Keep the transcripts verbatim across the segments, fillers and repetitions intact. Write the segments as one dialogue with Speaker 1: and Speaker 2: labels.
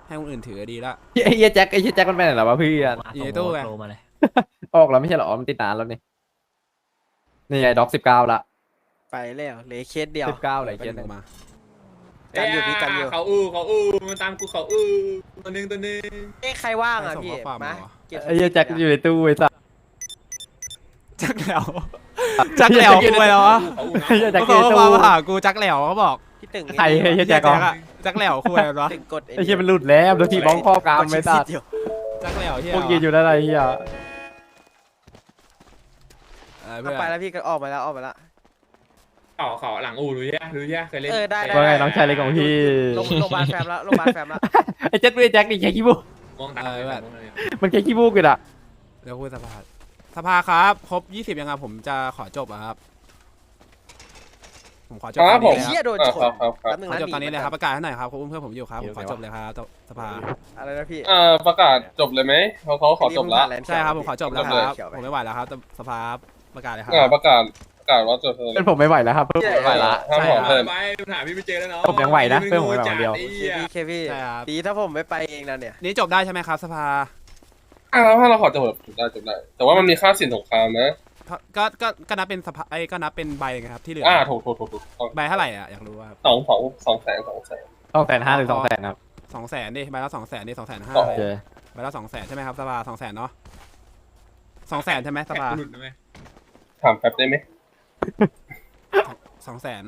Speaker 1: ให้คนอื่นถือดีละ
Speaker 2: ไอ้เหี้ยแจ็คไอ้เหี้ยแจ็คมันไปไหนแล้ววะเพื่อน
Speaker 1: อยู่ในตู้ไง
Speaker 3: โทรมาเลย
Speaker 2: ออกแล้วไม่ใช่เหรอมันติดนานแล้วนี่นี่ไงด็อกสิบเก้าละ
Speaker 4: ไปแล้วเหลือเคสเดียว
Speaker 2: สิบเก้าเลย
Speaker 1: ไป
Speaker 2: เจ็ด
Speaker 1: หนึ่งมา
Speaker 4: กันอยู่พี่กันอยู่
Speaker 5: เขาอู้เขาอู้มันตามกูเขาอู้ตัวหนึงตัวหนึง
Speaker 4: เอ้ใครว่างอ่ะ
Speaker 1: ส่ง
Speaker 4: พี่
Speaker 1: ข้อความ
Speaker 4: มา
Speaker 1: เหรอ
Speaker 4: เก็บ
Speaker 2: ไอ้เหี้ยแจ็คอยู่ในตู้ไอ้สัส
Speaker 1: จักแหลวจักแหลวกูไปแล้ววะ
Speaker 5: เขาอู้
Speaker 2: ไอ้เหี้ยแจ็ค
Speaker 1: เขา
Speaker 2: อยู่ใน
Speaker 1: บอก
Speaker 2: ตู้
Speaker 1: มาหากูจักแหลวเขาบอก
Speaker 4: พี่ตึง
Speaker 2: ใครไอ้เหี้ยแจ็คเหรอ
Speaker 1: จักแหลวคุยอะไรวะ
Speaker 4: ตึงกด
Speaker 2: ไอ้เหี้ยมันหลุดแล้วโดนทีบ้องครอบกรามไม่ตัด
Speaker 4: เดียว
Speaker 1: จักแหลวเฮีย
Speaker 2: พวกยืนอยู่ได้ไรเหี้ย
Speaker 1: เออเพื่อน
Speaker 4: ไปแล้วพี่ก็ออกมาแล้วออกมาแล้ว
Speaker 5: เขาเขาหลังอู้รู้ยังรู้ยังเคยเล่น
Speaker 4: เออได้ได้
Speaker 2: ว่าไงน้องชายเล็กของพี่
Speaker 4: โรงโรงพยาบาลแฟมแล้วโรงพยาบาลแฟมแล้ว
Speaker 2: ไอ้เจ็ดด้วยแจ็คนี่แค่ขี้มูก
Speaker 5: มองตามเลยแบบ
Speaker 2: มันแค่ขี้มูกเลยอะ
Speaker 1: เดี๋ยวคุยสภาสภาครับครบยี่สิบยังไงผมจะขอจบอะครับผมขอจบ
Speaker 5: ครับผม
Speaker 1: ตอนนี้
Speaker 4: เฮี
Speaker 1: เลย
Speaker 4: ยโดนชน
Speaker 5: ครับครับครับ
Speaker 4: แป๊บนึง
Speaker 1: ขอ
Speaker 4: นะ
Speaker 1: จบตอนนี้เลยครับประกาศให้หน่อยครับคุณเพื่อนผมอยู่ครับผมขอจบเลยครับสภา
Speaker 4: อะไรนะพี่
Speaker 5: เอ่อประกาศจบเลยไหมเขาเขาขอจบแล้ว
Speaker 1: ใช่ครับผมขอจบแล้วครับ
Speaker 4: เขียวไป
Speaker 1: ผมไม่ไหวแล้วครับสภาประกาศเลยครับ
Speaker 5: อ่าประกาศประกาศว่าจบเลย
Speaker 2: เป็นผมไม่ไหวแล้วครับเพื่อนผมไม่ไหวละ
Speaker 5: ห้ามขอเพิ่ม
Speaker 1: ใช่
Speaker 5: ไปหาพี่ไม่เจอแล้วเนาะ
Speaker 2: ผมยังไหวนะเพื่อนผมไม่ไหวคนเดียว
Speaker 4: โอเคพี่เคพี่
Speaker 1: ใช่ครับ
Speaker 4: ดีถ้าผมไม่ไปเองนะเนี่ย
Speaker 1: นี่จบได้ใช่ไหมครับสภา
Speaker 5: อ่าแล้วถ้าเราขอจบจบได้จบได้ แต่ว่ามันมีค่าสินสงครามนะ
Speaker 1: ก็ก็ก็นับเป็นสภาไอ้ก็นับเป็นใบไงครับที่เหลือ
Speaker 5: อ่าถูกถูกถูกถูกต้อง
Speaker 1: ใบเท่าไหร่อ่ะอยากรู้ว่า
Speaker 5: สองสองสองแสนสองแสน
Speaker 2: ต้องแสนห้าหรือสองแสนครับ
Speaker 1: สองแสนดิใบละสองแสนดิสองแสนห้า
Speaker 5: โอ
Speaker 2: โอเค
Speaker 1: ใบละสองแสนใช่ไหมครับสภาสองแสนเนาะสองแสนใช่ไหมสภา
Speaker 5: หลุดได้ไหมถามแป๊บได้ไหม
Speaker 1: สองแสน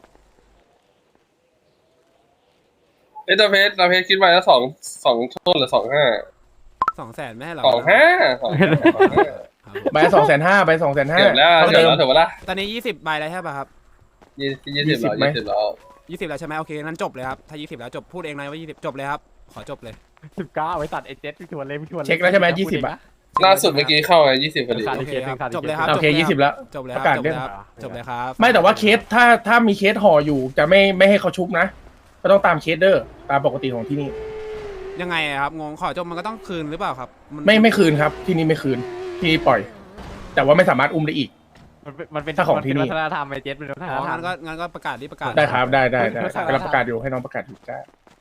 Speaker 5: เอ้ยตาเพชรตาเพชรคิดไว้แล้วสองสองโทษหรือสองห้า
Speaker 1: สองแสนไม่ให้หรอ
Speaker 5: สองห้าสองห้าสองห้า
Speaker 1: ครับ
Speaker 6: ใบสองแสนห้าใบสองแสนห้า
Speaker 5: เกือบแล้วเกือบแล้วถือว่าละ
Speaker 1: ตอนนี้ยี่สิบใบแล้วใช่ป่ะครับ
Speaker 5: ยี่ยี่สิบแล้วยี่สิบแล้ว
Speaker 1: ยี่สิบแล้วใช่ไหมโอเคงั้นจบเลยครับถ้ายี่สิบแล้วจบพูดเองเลยว่ายี่สิบจบเลยครับขอจบเลย
Speaker 2: สิบเก้าไว้ตัดไอ้เจ็ดพี่ชวนเลยพี่ชวน
Speaker 6: เช็คแล้วใช่ไหมยี่สิบอะ
Speaker 5: ล่าสุดเมื่อกี้เข้าไงยี่สิบพอดี
Speaker 2: ขาด
Speaker 1: โอ
Speaker 2: อีก
Speaker 1: เค
Speaker 2: เคสห
Speaker 1: ค
Speaker 2: นึ่
Speaker 1: รับ
Speaker 2: งขาด
Speaker 1: จบเลยครับ
Speaker 6: โอเคยี่สิบแล้ว
Speaker 1: จบเลยค
Speaker 6: ป
Speaker 1: รับ
Speaker 6: ระกาศ
Speaker 1: จบ
Speaker 6: เรื่
Speaker 1: เล
Speaker 6: อง
Speaker 1: ยครับจบเลยครับ
Speaker 6: ไม่แต่ว่าเคสถ้าถ้ามีเคสห่ออยู่จะไม่ไม่ให้เขาชุบนะ ก็ต้องตามเคสเดอร์ตามปกติของที่นี่
Speaker 1: ยังไงอะครับงงขอจบมันก็ต้องคืนหรือเปล่าครับน
Speaker 6: ไม่ไม่คืนครับที่นี่ไม่คืนที่นี่ปล่อย แต่ว่าไม่สามารถอุ้มได้อีก
Speaker 2: มันเป็นมันเป็น
Speaker 6: ถ้าของที่นี่
Speaker 2: วัฒนธรรมไอ้เจ็ดเป็นวัฒน
Speaker 1: อ๋อ
Speaker 2: ธรร
Speaker 1: งั้
Speaker 2: ม
Speaker 1: นก็งั้นก็ประกาศดิประกาศ
Speaker 6: ได้ครับได้ได้ได้
Speaker 2: ไม่ใช่
Speaker 6: กำลังประกาศอยู่ให้น้องประกาศอยู่ได้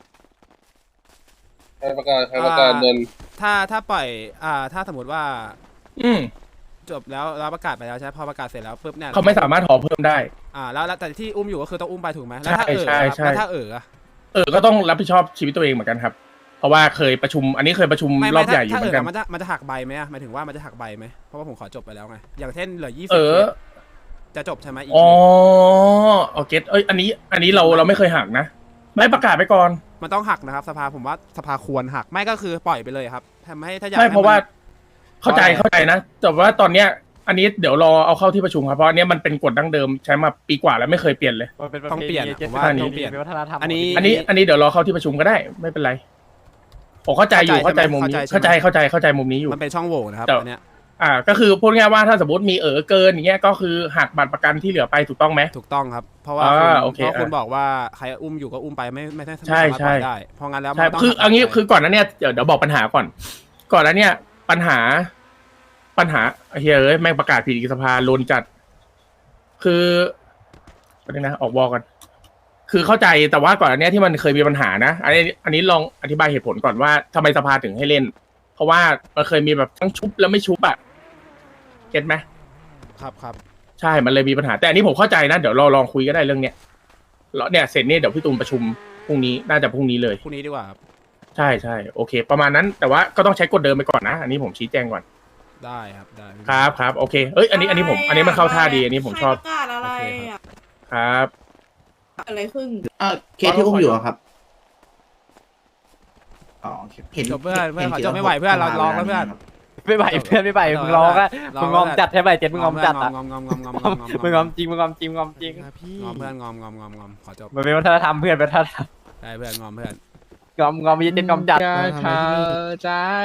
Speaker 5: ให้ประกาศให้ประกาศเดิน
Speaker 1: ถ้าถ้าปล่อยอ่าถ้าสมมติว่า
Speaker 6: อืม
Speaker 1: จบแล้วแล้วประกาศไปแล้วใช่ไหมพอประกาศเสร็จแล้วปุ๊บเนี่ย
Speaker 6: เขาไม่สามารถห่อเพิ่มได้
Speaker 1: อ่าแล้วแล้วแต่ที่อุ้มอยู่ก็คือต้องอุ้มไปถูกไหมแล้วถ้า
Speaker 6: ใช่
Speaker 1: เออ
Speaker 6: ใช่
Speaker 1: ครับ
Speaker 6: ใช่
Speaker 1: แล้วถ้าเอออะ
Speaker 6: เออก็ต้องรับผิดชอบชีวิตตัวเองเหมือนกันครับ เพราะว่าเคยประชุม อันนี้เคยประชุม
Speaker 1: ไม่
Speaker 6: ร
Speaker 1: ไม่
Speaker 6: อบใหญ่อยู่
Speaker 1: ถ้า
Speaker 6: เห
Speaker 1: เอ
Speaker 6: มือนกัน
Speaker 1: อมันจะมันจะหักใบไหมอะหมายถึงว่ามันจะหักใบไหมเพราะว่าผมขอจบไปแล้วไงอย่างเช่นเหลือยี่สิ
Speaker 6: เอบ อ
Speaker 1: จะจบใช่ไหมอีก
Speaker 6: อ๋อโอเคเอ้ยอันนี้ อันนี้เราเราไม่เคยหักนะ ไม่ประกาศไปก่อน
Speaker 1: มันต้องหักนะครับสภาผมว่าสภาควรหักไม่ก็คือปล่อยไปเลยครับทำให้ถ้าอยาก
Speaker 6: ไม่
Speaker 1: ให้
Speaker 6: เพราะว่า
Speaker 1: มัน
Speaker 6: เข้าใจ
Speaker 1: เพราะอะไร
Speaker 6: เข้าใจนะแต่ว่าตอนเนี้ย อันนี้เดี๋ยวรอเอาเข้าที่ประชุมครับเพราะอันเนี้ยมันเป็นกฎดั้งเดิมใช้มาปีกว่าแล้วไม่เคยเปลี่ยนเลย
Speaker 2: มันเป็นประ
Speaker 1: ต้อง
Speaker 2: เพ
Speaker 1: เปลี่ยน
Speaker 2: ณี
Speaker 1: อะ
Speaker 2: เจ็ด
Speaker 1: ผมว่า
Speaker 2: เป็น
Speaker 1: ต้องเปลี่ยน
Speaker 2: วัฒนธรรม
Speaker 1: อันนี้
Speaker 6: อันนี้อันนี้เดี๋ยวรอเข้าที่ประชุมก็ได้ไม่เป็นไรผมเข้าใจอยู่
Speaker 1: เข้า
Speaker 6: เข้า
Speaker 1: ใจ
Speaker 6: ใจมุมนี้
Speaker 1: เข้าใจ
Speaker 6: เข้าใจเข้าใจเข้าใจมุมนี้อยู่
Speaker 1: มันเป็นช่องโหว่นะครับ
Speaker 6: แต่
Speaker 1: อันเนี้ย
Speaker 6: อ่า ก็คือพูดง่ายๆว่าถ้าสมมติมีเออเกินอย่างเงี้ยก็คือหักบัตรประกันที่เหลือไปถูกต้องไหม
Speaker 1: ถูกต้องครับ เพราะว่า
Speaker 6: อ่า
Speaker 1: คุณ
Speaker 6: โอเค
Speaker 1: เพราะคุณ
Speaker 6: อ่ะ
Speaker 1: บอกว่าใครอุ้มอยู่ก็อุ้มไปไม่ไม่ได้
Speaker 6: ใช่
Speaker 1: ไม่สามารถปล่อย
Speaker 6: ใช่
Speaker 1: ได้เพราะงั้นแล้ว
Speaker 6: ใช่
Speaker 1: มันต้ง
Speaker 6: คือ
Speaker 1: หัก
Speaker 6: อันนี้
Speaker 1: ไป
Speaker 6: คือก่อนหนั้นเนี่ยเดี๋ยวเดี๋ยวบอกปัญหาก่อน ก่อนหนั้นเนี่ย ปัญหา ปัญหาเฮ้ยเอ้ยแม่งประกาศผิดอีกสภาโลนจัด คือประเด็นนะออกวอกัน คือเข้าใจแต่ว่าก่อนอันเนี้ยที่มันเคยมีปัญหานะอันนี้อันนี้ลองอธิบายเหตุผลก่อนว่าทำไมสภาถึงให้เล่น เพราะว่ามันเคยมีแบบทั้งชุบแล้วไม่ชุบอะเก็ตไหม
Speaker 1: ครับครับ
Speaker 6: ใช่มันเลยมีปัญหา แต่อันนี้ผมเข้าใจนะเดี๋ยวเราลองคุยก็ได้เรื่องเนี้ยแล้วเนี่ยเสร็จเนี่ยเดี๋ยวพี่ตูนประชุมพรุ่งนี้น่าจะพรุ่งนี้เลย
Speaker 1: พรุ่งนี้ดีกว่าครับ
Speaker 6: ใช่ใช่โอเค ประมาณนั้นแต่ว่าก็ต้องใช้กฎเดิมไปก่อนนะ อันนี้ผมชี้แจงก่อน
Speaker 1: ได้ครับได้
Speaker 6: ครับครับโอเคเอ้ยอันนี้อันนี้ผมอันนี้มันเข้าท่าดีอันนี้ผมชอบ
Speaker 7: ใครประกาศอะไรอ่ะ
Speaker 6: ครับ
Speaker 7: อะไรขึ้น
Speaker 8: เออเคสที่อุ้มอยู่อะครับอ๋อเห็น
Speaker 1: จบเพื่อนเพื่อน
Speaker 8: ห็
Speaker 1: ขอ
Speaker 8: ขีย
Speaker 1: จบไม่ไหวเพื่อนเราร้องแล้วเพื่อน
Speaker 2: ไม่ไหวเพื่อนไม่ไหวมึงร้องอะมึงงอมจัดใช่ไหมเจ็ดมึงงอมจัดอะ
Speaker 1: งอมงอมงอมงอมงอมงอม
Speaker 2: มึงงอมจริงมึงงอมจริงมึงงอมจริง
Speaker 1: งอมเพื่อนงอมงอมงอมงอมขอจบ
Speaker 2: มันเป็นวัฒนธรรมเพื่อนวัฒนธรรม
Speaker 1: ได้เพื่อนงอมเพื่อน
Speaker 2: งอมงอมมีเจ็ดงอมจัด
Speaker 3: ใจ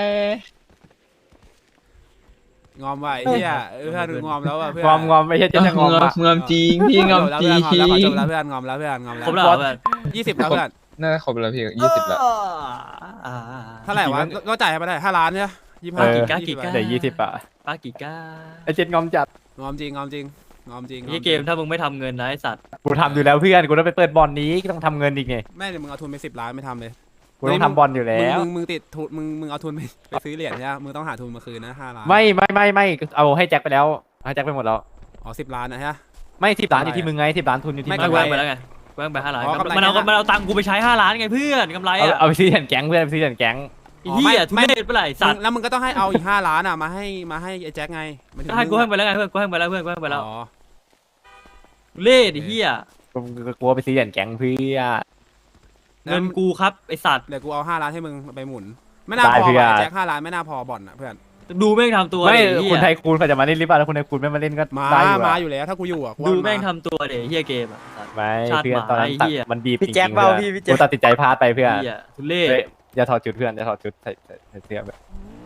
Speaker 1: งอมไหวเฮียเพื่อนงอมแล้วอ่ะเพื่อน
Speaker 2: งอมงอมไม่ใช่เจ็ดจะงอมอะ
Speaker 3: งอมจริงพี่งอมจริง
Speaker 1: ขอจบแล้วเพื่อนงอมแล้วเพื่อนงอมแล้ว
Speaker 3: ครบ
Speaker 1: เพื่
Speaker 3: แล้
Speaker 1: อน
Speaker 3: วเหรอเพื่อน
Speaker 1: ยี่สิบแล้วเพื่อน
Speaker 3: น่าจะครบแล้วพี่ยี่สิบแล้ว
Speaker 1: เท่าไหร่วะก็จ่ายไปได้ห้าล้านเนี่ยยี่สิบ
Speaker 2: เอ
Speaker 1: ห้า
Speaker 2: อ
Speaker 1: กี่
Speaker 3: ก้า
Speaker 1: ก้า
Speaker 3: กี่
Speaker 1: กี่
Speaker 3: ก้า
Speaker 1: ก้า
Speaker 2: เดี๋ยวยี่สิบอะ
Speaker 3: ป้ากี่ก้า
Speaker 2: ไอเจ็ดงอมจัด
Speaker 1: งอมจริงงอมจริงงอมจริง
Speaker 3: นี่เกมถ้ามึงไม่ทำเงินนะไอสัตว์
Speaker 2: กูทำอยู่แล้วเพื่อนกูต้องไปเปิดบอลนี้ก็ต้องทำเงินอีกไง
Speaker 1: แม่เดี๋ยวมึงเอาทุนไปสิบล้านไม่ทำเลย
Speaker 2: กูกูต้องทำบอลอยู่แล้ว
Speaker 1: มึงมึงมึงติดทุนมึงมึงเอาทุนไปไปซื้อเหรียญใช่ไหมมึงต้องหาทุนมาคืนนะห้าล้าน
Speaker 2: ไม่ไม่ไม่ไม่เอาให้แจ็คไปแล้วให้แจ็คไปหมดแล้ว
Speaker 1: อ๋อสิบล้านนะฮะ
Speaker 2: ไม่สิบล้านอยู่ที่มึงไงสิบล้านทุนอยู่ที่
Speaker 1: ไม่
Speaker 2: มึ
Speaker 3: ไม่
Speaker 2: ง
Speaker 3: แว่งไปแล้วไงแว่งไปห้าล้าน
Speaker 1: อ๋อกำไร
Speaker 3: มันเอา
Speaker 1: แค่นั้น
Speaker 3: มันเอาตังค์กูไปใช้ห้าล้านไงเพื่อนกำไร
Speaker 2: เอา
Speaker 3: อ่ะ
Speaker 2: เอาไปซื้อเหรียญแก๊งเพื่อนไปซื้อเหรียญแก๊ง
Speaker 3: ไอ้เหี้ยทุเรศเมื่อไหร่สัตว์
Speaker 1: แล้วมึงก็ต้องให้เอาอีกห้าล้านอ่ะมาให้มาให้ไอ้แจ็คไงมันถึง
Speaker 3: ก็ให้กู
Speaker 1: มึ
Speaker 3: ให้
Speaker 1: ง
Speaker 3: ไปแล้วไงเพื่อนกูให้ไปแล้วเพื่อนกูให้ไปแล้ว
Speaker 1: อ๋อ
Speaker 3: ทุเรศไอ้เหี้ย
Speaker 2: กูกลัวไปซื้อเหรียญแก๊งเพื่อ
Speaker 3: เงินกูครับไอ้สัตว์
Speaker 1: เดี๋ยวกูเอาห้าล้านให้มึงไปหมุน ไม่น่า
Speaker 2: ได้
Speaker 1: พอ
Speaker 2: เพื่อน
Speaker 1: ว่ะไอ้แจ็คห้าล้านไม่น่าพอบ่อนอ่ะเพื่อน
Speaker 3: ดูแม่งทำตัว
Speaker 2: ไม่
Speaker 3: ดิไอ้เหี้
Speaker 2: คุณ
Speaker 3: ย
Speaker 2: ไทยคูณเขาจะมาเล่นหรือเปล่าแล้วคุณไทยคูณไม่มาเล่นก็
Speaker 1: มา
Speaker 2: ได้อยู่
Speaker 1: มา
Speaker 2: อะ
Speaker 1: อยู่แล้วถ้ากูอยู่อ่ะกู
Speaker 3: ดู
Speaker 1: ว่า
Speaker 3: แม่ง
Speaker 1: มา
Speaker 3: ทำตัวเดี๋ยวเหี้ยเกมอ่ะสัตว์
Speaker 2: ไม่
Speaker 3: ชาติ
Speaker 2: เพื่อนตอนนั้น
Speaker 3: หมา
Speaker 2: ตัด
Speaker 3: ไอ้เหี้ย
Speaker 2: มันบีบจ
Speaker 4: พี่
Speaker 2: ริง
Speaker 4: แจ็ค
Speaker 2: ๆ
Speaker 4: เปล่า
Speaker 2: เพื่อน
Speaker 4: พี่พี่แจ็
Speaker 2: กู
Speaker 4: ค
Speaker 2: ตัดสินใจพลาดไปเพื่อน
Speaker 3: เหี้ยทุเรศ
Speaker 2: เฮ้ยอย่าถอดชุดเพื่อนอย่าถอดชุดใส่ใส่ใส่เสื้อแบบ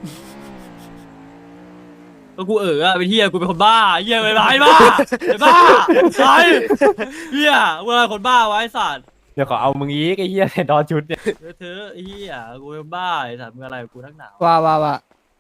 Speaker 3: ก็กูเอออะเป็นเหี้ยกูเป็นคนบ้าเหี้ยเป็นไรบ้าไอ้บ้าไอ้เหี้ยเมื่อคนบ้าไว้สัตว์
Speaker 2: เดี๋ยวขอเอามึงอีกไอ้เหี้ยใส่ดอชุดเนี่ย
Speaker 3: เธอเธอไอ้เหี้ยกูเป็นบ้าไอ้สัตว์มึงอะไรกับกูนักหนา
Speaker 9: ว่าว่าว่า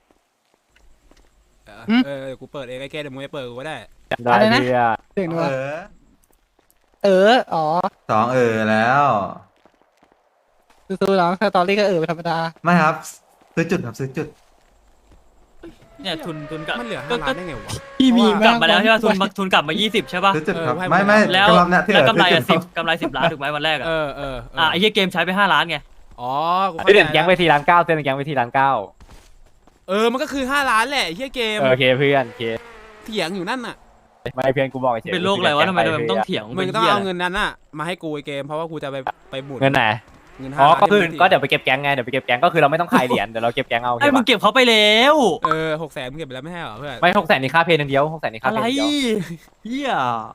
Speaker 1: เออ
Speaker 9: หืม
Speaker 1: เออเดี๋ยวกูเปิดเองไอ้แกเดี๋ยวมึงไปเปิดกูก็ได้
Speaker 2: ได้
Speaker 9: อะไรนะ
Speaker 2: เพื่อน
Speaker 9: เสียงนัว
Speaker 8: เออ
Speaker 9: เออ อ๋อ
Speaker 8: สองเออแล้ว
Speaker 9: สู้ๆน้องสตอรี่ก็เออเป็นธรรมดา
Speaker 8: ไม่ครับ ซื้อจุดครับซื้อจุด
Speaker 3: เนี่ยทุนทุนกลับ
Speaker 1: มันเหลือ
Speaker 3: ก็
Speaker 1: ห้าล้า
Speaker 3: ก็
Speaker 1: นได้ไงวะ
Speaker 9: พี่มี
Speaker 3: กลับมาแล้วใช่ป่ะทุนมาทุนกลับมายี่สิบใช่ป่ะ
Speaker 8: ซื้อจุดครับ
Speaker 1: เออให้
Speaker 8: ไม่ไม่
Speaker 3: แล้ว
Speaker 8: กำลังเนี่ยที่
Speaker 3: แล้ว
Speaker 8: เหลื
Speaker 3: กำไรอ่ะ
Speaker 8: ซื้
Speaker 3: สิ
Speaker 8: อ
Speaker 3: บ
Speaker 8: จุด
Speaker 3: กำไรสิบล้านถูกไหมวันแรกอ่ะ
Speaker 1: เออเออเออ
Speaker 3: อ่ะไอ้เหี้ยเกมใช้ไปห้าล้านไง
Speaker 1: อ๋อกู
Speaker 2: ซื้อ
Speaker 1: เข้า
Speaker 2: เหรียญ
Speaker 1: ใจ
Speaker 2: แก๊งไปทีล้านเก้าซื้อเหรียญแก๊งไปทีล้านเก้า
Speaker 1: เออมันก็คือห้าล้านแหละไอ้เฮียเกม
Speaker 2: เออโอเคเพื่อนโอเค
Speaker 1: เถียงอยู่นั่นน่ะ
Speaker 2: ไม่เพื่อนกูบอกเฉยๆ
Speaker 3: เป็นโรคอะไรวะทำไมทำไมมันต้องเถียง
Speaker 1: มึ
Speaker 3: เป็
Speaker 1: ง
Speaker 3: น
Speaker 1: ต้อง
Speaker 3: เหี้ย
Speaker 1: เอาเงินนั้นน่ะมาให้กูไอ้เกมเพราะว่ากูจะไปไปหมุน
Speaker 2: เงินไหน
Speaker 1: เงิน
Speaker 2: อ๋
Speaker 1: ห้า
Speaker 2: อ
Speaker 1: ล้าน
Speaker 2: ก็คือ
Speaker 1: ที่มึง
Speaker 2: ก็เดี๋ยวไปเก็บแก๊งไงเดี๋ยวไปเก็บแก๊งก็คือเราไม่ต้องขายเหรียญเดี๋ยวเราเก็บแก๊งเอา
Speaker 3: ไอ้มึงเก็บเขาไปแล้ว
Speaker 1: เออหกแสนมึงเก็บไปแล้วไม่ใช่เหรอเพื่อน
Speaker 2: ไม่หกแสนนี่ค่าเพลงอย่างเดียวหกแสนนี่ค่า
Speaker 3: อะ
Speaker 2: เพ
Speaker 3: ไร
Speaker 2: ลงอย่างเดียว
Speaker 3: เหี้ย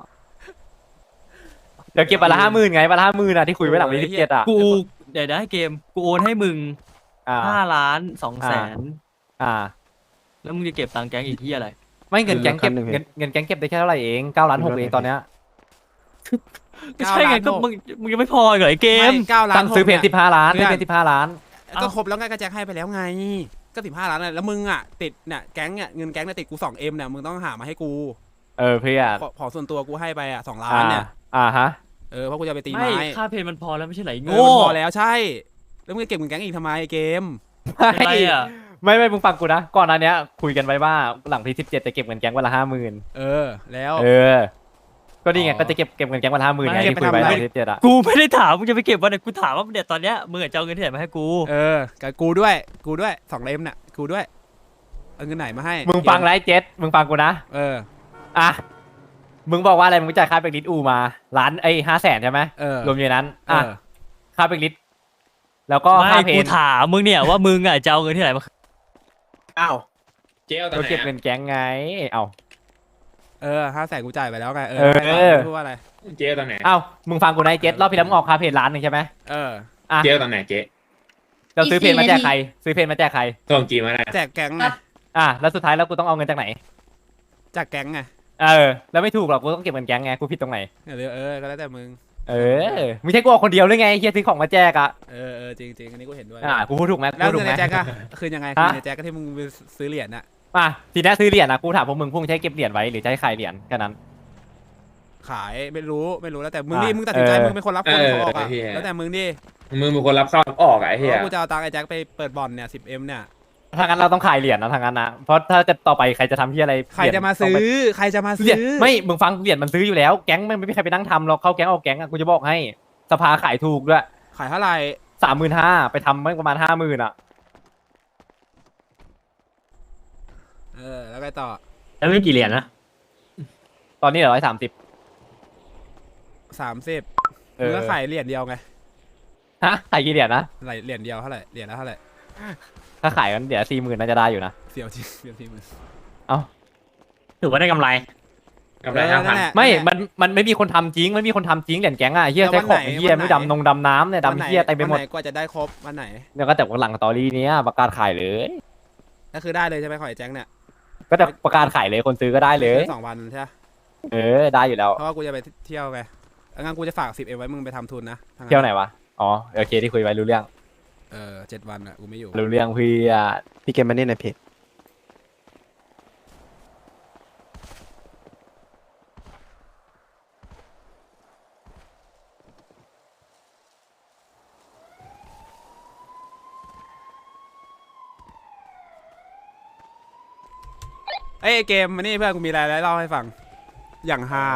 Speaker 2: เดี๋ยวเก็บไปละห้าหมื่นไงไปละห้าหมื่นอะที่คุยไว้หลังวันที่สิบเจ็ดอะ
Speaker 3: กูเดี๋ยวได้เกมกูโอนให้มึง
Speaker 2: อ่า
Speaker 3: ห้าล้านสองแสน
Speaker 2: อ่า
Speaker 3: แล้วมึงจะเก็บตังค์แก๊งอีกที่อะไร
Speaker 2: ไม่เงินแก๊งเก็บเงินเงินแก๊งเก็บได้แค่เท่าไหร่เองเก้าล้านหกเองตอนเนี้ย
Speaker 3: ก็ใช่ไงก็มึงมึงยังไม่พออีกเหรอไอ้เกม
Speaker 1: ไม่เก้าล้าน
Speaker 2: ตั้งซื้อเพลง
Speaker 1: หก
Speaker 2: สิบห้าล้าน
Speaker 1: เพื่
Speaker 2: ซื้
Speaker 1: อ
Speaker 2: อน เพลงสิบห้าล้าน
Speaker 1: ก็ครบแล้วไงก็แจ็คให้ไปแล้วไง ก็สิบห้าล้านน่ะแล้วมึงอ่ะติดเนี่ยแก๊งเนี่ยเงินแก๊งเนี่ยติดกูสองเอ็มเนี่ยมึงต้องหามาให้กู
Speaker 2: เออเพื่อน
Speaker 1: ขอขอส่วนตัวกูให้ไปอ่ะสองล้า
Speaker 2: อ่าน
Speaker 1: เนี่ย
Speaker 2: อ่าฮะ
Speaker 1: เออเพราะกูจะไปตี
Speaker 3: ไม่
Speaker 1: ไม้
Speaker 3: ค่าเพลงมันพอแล้วไม่ใช่ไหร
Speaker 1: เอ
Speaker 3: โง่
Speaker 1: อมันพอแล้วใช่ แล้วมึงจะเก็บเงินแก๊งอีกทำไมเกม
Speaker 3: เป็นไรอ่ะ
Speaker 2: ไม่ไม่มึงฟังกูนะก่อนหน้าเนี้ยคุยกันไว้ว่าหลังที่สิบเจ็ดจะเก็บเงินแก๊งวันละห้าหมื่น
Speaker 1: เออแล้ว
Speaker 2: เออ ก็นี่ไง
Speaker 1: อ๋อ
Speaker 2: ก็จะเก็บเก็บเงินแก๊งวันละห้าหมื่นไง
Speaker 1: ไม่
Speaker 2: ที่คุยไว้
Speaker 1: เก็บไปทำอะไร
Speaker 2: ตอนที่สิบเจ็ดอะ
Speaker 3: กูไม่ได้ถามมึงจะไปเก็บวันไหนกูถามว่าเดี๋ยวตอนเนี้ยมึงอะจะเอาเงินที่ไหนมาให้กู
Speaker 1: เออกับกูด้วยกูด้วยสองเล่มเนี่ยกูด้วยเอาเงินไหนมาให้
Speaker 2: มึงฟังไรเจ็ดมึงฟังกูนะ
Speaker 1: เออ
Speaker 2: อ่ะมึงบอกว่าอะไรมึงจ่ายค่าเบรกลิสอูมาล้านไอ้ห้าแสนใช่ไหม
Speaker 1: เออ
Speaker 2: รวมอยู่ในนั้น
Speaker 1: เอ
Speaker 2: อ่ะ
Speaker 1: อ
Speaker 2: ค่าเบรกลิสแล้วก็ค่า
Speaker 3: ไม่
Speaker 2: เพล
Speaker 3: กู
Speaker 2: ง
Speaker 3: ถามมึงเนี่ยว่ามึงอ่ะจะเอาเงินที่ไหนมา
Speaker 4: อ้าว
Speaker 5: เจ๊เอาตอน
Speaker 2: ก็
Speaker 5: ไหน
Speaker 2: เก็บเงินแก๊งไงเอา
Speaker 1: เออห้าแสนกูจ่ายไปแล้วไงเอ
Speaker 2: เออ
Speaker 1: ให้ต่พูดว่าอะไร
Speaker 5: เจ๊เอาตอนไหน
Speaker 2: เอ้ามึงฟังกูนะไอ้เจ็ดรอบพี่แล้วมึงออกค่าเพลงล้านหนึ่งใช่ไหม
Speaker 1: เออ
Speaker 2: อ่ะ
Speaker 5: เจ๊เอาตอนไหนเจ๊
Speaker 2: เราซื้อเพลงมาแจกใครซื้อเพลงมาแจกใคร
Speaker 5: ส่งจีมาได้
Speaker 1: แจกแก๊งไง
Speaker 2: อ่ะแล้วสุดท้ายแล้วกูต้องเอาเงินจากไหน
Speaker 1: จากแก๊งไง
Speaker 2: เออแล้วไม่ถูกหรอกกูต้องเก็บเงินแก๊งไงกูผิดตรงไหน
Speaker 1: เออเออก็แล้วแต่มึง
Speaker 2: เออไม่ใช่กูออกคนเดียวหรือไงเฮียซื้อของมาแจกอ่ะ
Speaker 1: เออเออจริงจริงอันนี้กูเห็นด้วย
Speaker 2: อ่ะกูพูดถูกไหมกู
Speaker 1: แล้ว
Speaker 2: พูดถู
Speaker 1: เงิ
Speaker 2: ก
Speaker 1: น
Speaker 2: ไหม
Speaker 1: ในแจ็คอะคืนยังไง
Speaker 2: ฮะ
Speaker 1: คืนในแจ็คก็ที่มึงไปซื้อเหรียญน่ะ
Speaker 2: อ่ะทีนี้ซื้อเหรียญนะกูถามพวกมึงพวกมึงใช้เก็บเหรียญไว้หรือจะให้ขายเหรียญแค่นั้น
Speaker 1: ขายไม่รู้ไม่รู้แล้วแต่มึง
Speaker 2: อ่ะ
Speaker 1: ดิมึงตัดสินใจ
Speaker 2: เออ
Speaker 1: มึงเป็นคนรับคนเขาออกอะแล้วแต่มึงดิ
Speaker 5: มึงเป็นคนรับเข้ารับออกอะไอ้
Speaker 1: เพ
Speaker 5: เหี้ย
Speaker 1: ราะกูจะเอาตังค์ไอ้แจ็คไปเปิดบ่อนเนี่ยสิบเอ็มเนี่ย
Speaker 2: ถ้างั้นเราต้องขายเหรียญนะทางนั้นนะเพราะถ้าจะต่อไปใครจะทำที่อะไร
Speaker 1: ใครจะมาซื้อใครจะมา
Speaker 2: เหรี
Speaker 1: ซื้
Speaker 2: ยญ
Speaker 1: อ
Speaker 2: ไม่มึงฟังเหรียญมันซื้ออยู่แล้วแก๊งมันไม่มีใครไปนั่งทำหรอกเข้าแก๊งออกแก๊งอะกูจะบอกให้สภาขายถูกด้วย
Speaker 1: ขายเท่าไหร่
Speaker 2: สามหมื่นห้าไปทำไม่ประมาณห้าหมื่นอ่ะ
Speaker 1: เออแล้วไงต่อ
Speaker 3: แล้วไม่กี่เหรียญนะ
Speaker 2: ตอนนี้เหลือร้อยสามสิบ
Speaker 1: สามสิบ
Speaker 2: เอ
Speaker 1: มึง
Speaker 2: อ
Speaker 1: ก็ขายเหรียญเดียวไง
Speaker 2: ฮะขายกี่เหรียญนะ
Speaker 1: เหรียญเหรียญเดียวเท่าไหร่เหรียญละเท่าไหร่
Speaker 2: ถ้าขายกันเดี๋ยวสี่หมื่นน่าจะได้อยู่นะ
Speaker 1: เสียวจริงเสียวจริงมึง
Speaker 3: ถือว่าได้กำไร
Speaker 5: กำไรห้าพัน
Speaker 1: แหละ
Speaker 2: ไม่
Speaker 1: นั่นแหละ
Speaker 2: มันมันไม่มีคนทำจริงไม่มีคนทำจริงเหรียญแก๊งอ่ะเฮีย
Speaker 1: แล้ว
Speaker 2: ใช้ของ
Speaker 1: วันไหน
Speaker 2: เฮีย
Speaker 1: วันไหน
Speaker 2: ไม่ดำนงดำน้ำเนี่ย
Speaker 1: วันไหน
Speaker 2: ดำเฮียเต็มไปหมด
Speaker 1: วันไหนกว่าจะได้ครบวันไหน
Speaker 2: เนี่ยก็แต่หลังสตอรี่เนี้ยประกาศขายเลย
Speaker 1: ก็คือได้เลยใช่ไหมขอไอ้แจ็คเนี่ย
Speaker 2: ก็แต่ประกาศขายเลยคนซื้อก็ได้เลย
Speaker 1: สองวันใช่ไหม
Speaker 2: เออได้อยู่แล้ว
Speaker 1: เพราะว่ากูจะไปเที่ยวไงงั้นกูจะฝากสิบเอ็มไว้มึงไปทำทุนนะถ้างั้น
Speaker 2: เที่ยวไหนวะอ๋อโอเคที่คุยไว้รู้เรื่อง
Speaker 1: เออเจ็ดวันอ่ะกูไม่อยู่
Speaker 2: รู้เรื่องเพื่อ
Speaker 4: พี่เกมมานี่ในเพจ
Speaker 1: เอ้ยไอ้เกมมานี่เพื่อนกูมีอะไรแล้วเล่าให้ฟังอย่างฮา